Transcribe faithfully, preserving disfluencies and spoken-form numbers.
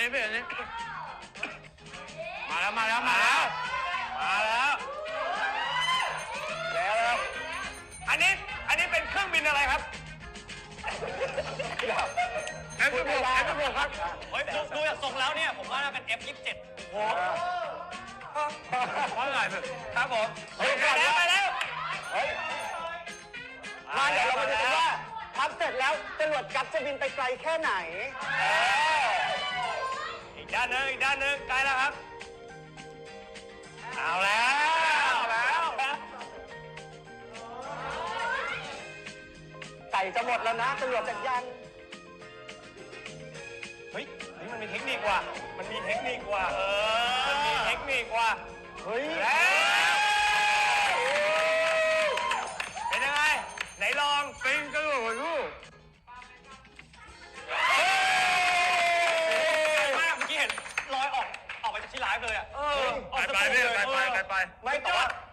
นี้พี่อันนี้มาแล้วมาแล้วมาแล้วมาแล้วแล้วอันนี้อันนี้เป็นเครื่องบินอะไรครับเอฟสิบหกเอฟสิบหกครับเฮ้ยดูดูจากทรงแล้วเนี่ยผมว่าน่าเป็น เอฟ ยี่สิบเจ็ด โอ้โหว่าไงครับผมเฮ้ยไปแล้วไปแล้วเฮ้ยมาเดี๋ยวเรามาดูกันว่าพับเสร็จแล้วจรวดกัปจะบินไปไกลแค่ไหนอีกด้านหนึ่งอีกด้านหนึ่งใกล้แล้วครับเอาแล้วเอาแล้วไก่จะหมดแล้วนะจรวดจักรยานเฮ้ยนี่มันมีเทคนิคว่ะมันมีเทคนิคว่ะเออมันมีเทคนิคว่ะเฮ้ยเป็นยังไงไหนลองเป็นกระโดดลูกมากเมื่อกี้เห็นลอยออกออกไปจากที่ไลฟ์เลยอ่ะไปไปไปไปไปไปไม่แต่ว่า